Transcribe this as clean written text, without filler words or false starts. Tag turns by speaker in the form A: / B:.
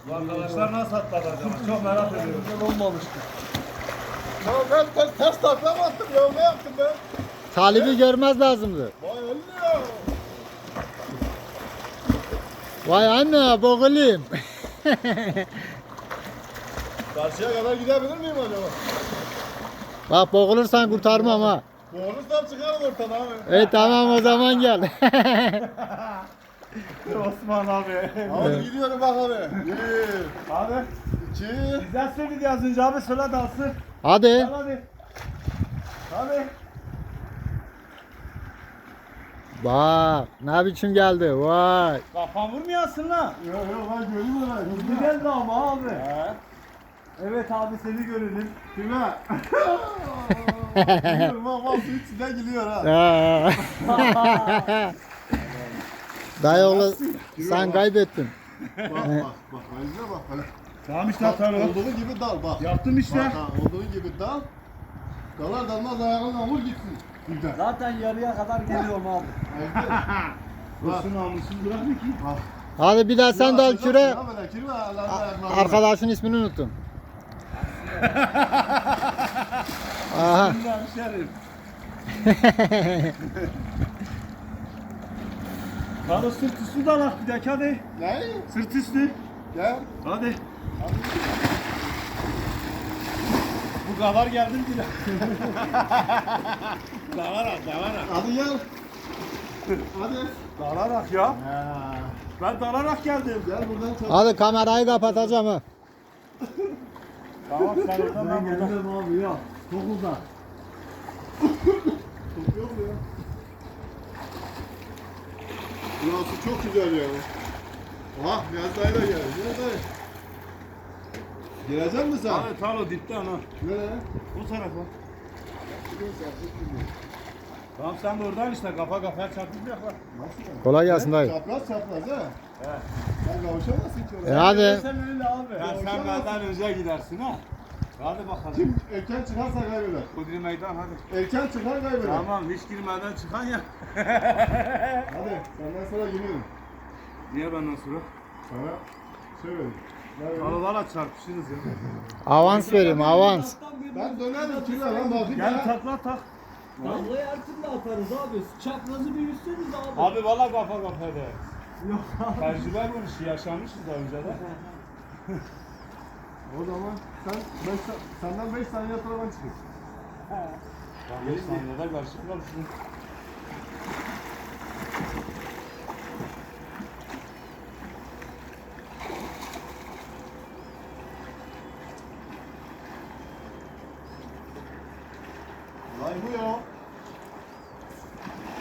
A: Arkadaşlar nasıl atladı acaba? Çok merak ediyorum.
B: Güzel olmamıştı.
C: Ya ben ters takla mı attım ya? Ne yaptım ben?
D: Talibi görmez lazımdı.
C: Vay öyle ya.
D: Vay anne boğulayım.
C: Karşıya kadar gidebilir miyim acaba?
D: Bak boğulursan kurtarmam ha.
C: Boğulursam çıkarım ortadan abi.
D: Tamam o zaman gel.
A: Osman abi.
C: Abi gidiyorum bak abi. 1,
A: Abi
C: 2,
A: bizden söyledi az önce abi söyle dalsın.
D: Hadi.
A: Gel hadi. Hadi.
D: Bak ne biçim geldi vay.
A: Kafan vurmayasın lan.
C: Yok yok ben göreyim onu.
A: Hızlı geldi ama abi. Evet abi seni görelim.
C: Kime? Gidiyorum bak bak su içinden geliyor ha.
D: Dayı oğlu sen kaybettin.
C: Bak bak bak. Ayrıca bak. Hani.
A: Tamam işte
C: Bak,
A: atalım.
C: olduğu gibi dal bak.
A: Yaptım işte.
C: Bak, ha, olduğu gibi dal. Dalar dalmaz ayağınla vur gitsin. Güzel.
B: Zaten yarıya kadar geliyorum abi.
C: Bak.
A: Dursun namussuz bırakma ki.
C: Bak.
D: Hadi bir daha sen dal küre. Arkadaşın ismini unuttum. Aha.
A: Bundan şerif. Hadi sırt üstü dalak bir dakika hadi.
C: Ne?
A: Sırt üstü.
C: Gel.
A: Hadi. Bu kadar geldim ki. Dalarak.
C: Hadi gel. Hadi.
A: Dalarak ya. Ben dalarak geldim.
C: Gel buradan çabuk.
D: Hadi kamerayı kapatacağım ha.
A: Tamam sen oradan ben buradan.
B: Geldim abi ya. Çok uzak.
C: Çok yok mu ya? Burası çok güzel ya. Aha Niyazi dayı da geldi. Niyazi dayı. Gelecek misin sen?
A: Abi talo dipte ana.
C: Nereye?
A: Bu tarafa. Tamam sen de oradan işte kafa kafaya çarpışmayacak bak.
C: Nasıl yani?
D: Kolay gelsin dayı.
C: Çapraz çapraz ha?
A: He.
C: Sen kavuşamazsın ki oraya.
D: Hadi.
A: Sen öyle abi. Ya sen benden önce gidersin ha. Hadi bakalım.
C: Kim erken çıkarsa kaybeder.
A: Kudri meydan hadi.
C: Erken çıkar kaybeder.
A: Tamam hiç girmeden çıkan ya.
C: Hadi senden sonra giriyorum.
A: Niye benden sonra?
C: Sana şey vereyim. Ne vereyim?
A: Aralarla çarpışırız ya.
D: Avans vereyim avans.
C: Ben dönerim kilo lan bakayım
A: Gel
C: ya.
A: takla tak.
B: Vallahi her türlü atarız abi. Çaprazı bir yüzseniz abi.
A: Abi valla kafa kafaya de.
B: Yok abi.
A: Tecrübe bu işi yaşamışız daha önce de.
C: O zaman senden 5 saniye sonra ben çıkayım.
A: Ben 5 saniyede karşı karşıyım.
C: Vay bu ya.